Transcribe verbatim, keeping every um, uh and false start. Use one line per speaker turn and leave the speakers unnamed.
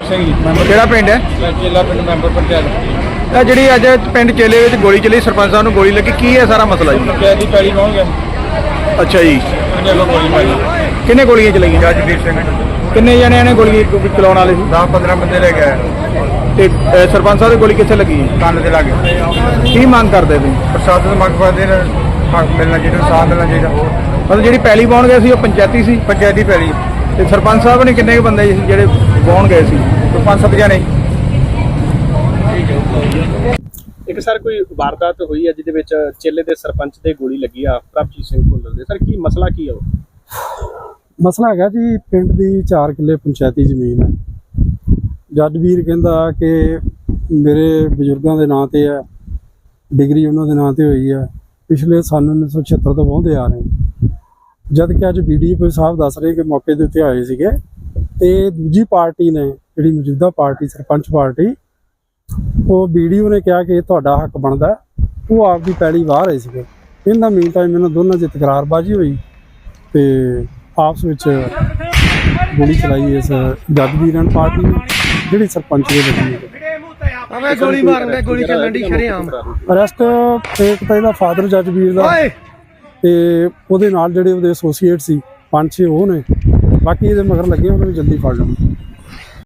ਸਿੰਘ ਜੀ।
ਕਿਹੜਾ ਪਿੰਡ ਹੈ?
ਚੇਲਾ ਪਿੰਡ ਮੈਂਬਰ ਪੰਚਾਇਤ।
ਇਹ ਜਿਹੜੀ ਅੱਜ ਪਿੰਡ ਚੇਲੇ ਵਿੱਚ ਗੋਲੀ ਚੱਲੀ, ਸਰਪੰਚ ਸਾਹਿਬ ਨੂੰ ਗੋਲੀ ਲੱਗੀ, ਕੀ ਹੈ ਸਾਰਾ ਮਸਲਾ ਜੀ?
ਪੰਚਾਇਤ ਦੀ ਪੈਲੀ ਪਹੁੰਚ ਗਿਆ।
ਅੱਛਾ ਜੀ,
ਉਹਨੇ ਅੱਗੋਂ ਗੋਲੀ ਮਾਰੀ।
ਕਿੰਨੇ ਗੋਲੀਆਂ ਚਲਾਈਆਂ?
ਜੱਜਵੀਰ ਸਿੰਘ।
ਕਿੰਨੇ ਜਣਿਆਂ ਨੇ ਗੋਲੀ ਚਲਾਉਣ ਵਾਲੇ ਸੀ?
ਦਸ ਪੰਦਰਾਂ ਬੰਦੇ ਲੈ ਗਏ।
ਤੇ ਅ, ਸਰਪੰਚ ਸਾਹਿਬ ਦੀ ਗੋਲੀ ਕਿੱਥੇ ਲੱਗੀ?
ਕੰਨ ਦੇ ਲਾਗੇ।
ਕੀ ਮੰਗ ਕਰਦੇ ਤੁਸੀਂ?
ਪ੍ਰਸ਼ਾਸਨ ਮੰਗ ਕਰਦੇ ਨੇ ਹੱਕ ਮਿਲਣਾ ਚਾਹੀਦਾ, ਸਾਥ ਮਿਲਣਾ ਚਾਹੀਦਾ।
ਮਤਲਬ ਜਿਹੜੀ ਪੈਲੀ ਪਾਉਣ ਗਏ ਸੀ ਉਹ ਪੰਚਾਇਤੀ ਸੀ?
ਪੰਚਾਇਤੀ ਪੈਲੀ।
ਤੇ ਸਰਪੰਚ ਸਾਹਿਬ ਨੇ ਕਿੰਨੇ ਕੁ ਬੰਦੇ ਸੀ ਜਿਹੜੇ ਪਾਉਣ ਗਏ ਸੀ?
ਕੋਈ ਪੰਜ ਸੱਤ ਜਣੇ।
ਇੱਕ ਸਰ ਕੋਈ ਵਾਰਦਾਤ ਹੋਈ ਹੈ ਜਿਹਦੇ ਵਿੱਚ ਚੇਲੇ ਦੇ ਸਰਪੰਚ ਦੇ ਗੋਲੀ ਲੱਗੀ ਆ, ਪ੍ਰਭਜੀਤ ਸਿੰਘ ਭੁੱਲਰ ਦੇ। ਸਰ ਕੀ ਮਸਲਾ ਕੀ ਆ ਉਹ?
ਮਸਲਾ ਹੈਗਾ ਜੀ, ਪਿੰਡ ਦੀ ਚਾਰ ਕਿੱਲੇ ਪੰਚਾਇਤੀ ਜ਼ਮੀਨ ਹੈ। ਜੱਜ ਵੀਰ ਕਹਿੰਦਾ ਕਿ ਮੇਰੇ ਬਜ਼ੁਰਗਾਂ ਦੇ ਨਾਂ ਤੇ ਹੈ, ਡਿਗਰੀ ਉਹਨਾਂ ਦੇ ਨਾਂ ਤੇ ਹੋਈ ਹੈ, ਪਿਛਲੇ ਸਾਲ ਉੱਨੀ ਸੌ ਛਿਹੱਤਰ ਤੋਂ ਵਾਹੁੰਦੇ ਆ ਰਹੇ। ਜਦ ਕਿ ਅੱਜ ਬੀ ਡੀ ਓ ਸਾਹਿਬ ਦੱਸ ਰਹੇ ਕਿ ਮੌਕੇ ਦੇ ਉੱਤੇ ਆਏ ਸੀਗੇ ਤੇ ਦੂਜੀ ਪਾਰਟੀ ਨੇ, ਜਿਹੜੀ ਮੌਜੂਦਾ ਪਾਰਟੀ ਸਰਪੰਚ ਪਾਰਟੀ, ਉਹ ਬੀ ਡੀ ਓ ਨੇ ਕਿਹਾ ਕਿ ਇਹ ਤੁਹਾਡਾ ਹੱਕ ਬਣਦਾ, ਉਹ ਆਪਦੀ ਪੈਲੀ ਵਾਹ ਰਹੇ ਸੀਗੇ। ਇਹਨਾਂ ਮੀਨ ਟਾਈਮ ਇਹਨਾਂ ਦੋਨਾਂ 'ਚ ਤਕਰਾਰਬਾਜ਼ੀ ਹੋਈ ਤੇ ਆਪਸ ਵਿੱਚ ਗੋਲੀ ਚਲਾਈ ਇਸ ਜੱਜ ਵੀਰਾਂ ਪਾਰਟੀ ਨੇ, ਜਿਹੜੀ ਸਰਪੰਚ ਦੇ ਲੱਗੀ ਹੈ।
ਗੋਲੀ ਮਾਰਨ ਦੇ ਗੋਲੀ ਚੱਲਣ ਦੀ ਸ਼ਰੇਆਮ
ਅਰੈਸਟ ਇੱਕ ਤਾਂ ਇਹਦਾ ਫਾਦਰ ਜੱਜ ਵੀਰ ਦਾ ਤੇ ਉਹਦੇ ਨਾਲ ਜਿਹੜੇ ਉਹਦੇ ਐਸੋਸੀਏਟ ਸੀ ਪੰਜ ਛੇ ਉਹ ਨੇ, ਬਾਕੀ ਇਹਦੇ ਮਗਰ ਲੱਗੇ ਉਹਨਾਂ ਨੂੰ ਜਲਦੀ ਫੜ ਲੈਣ।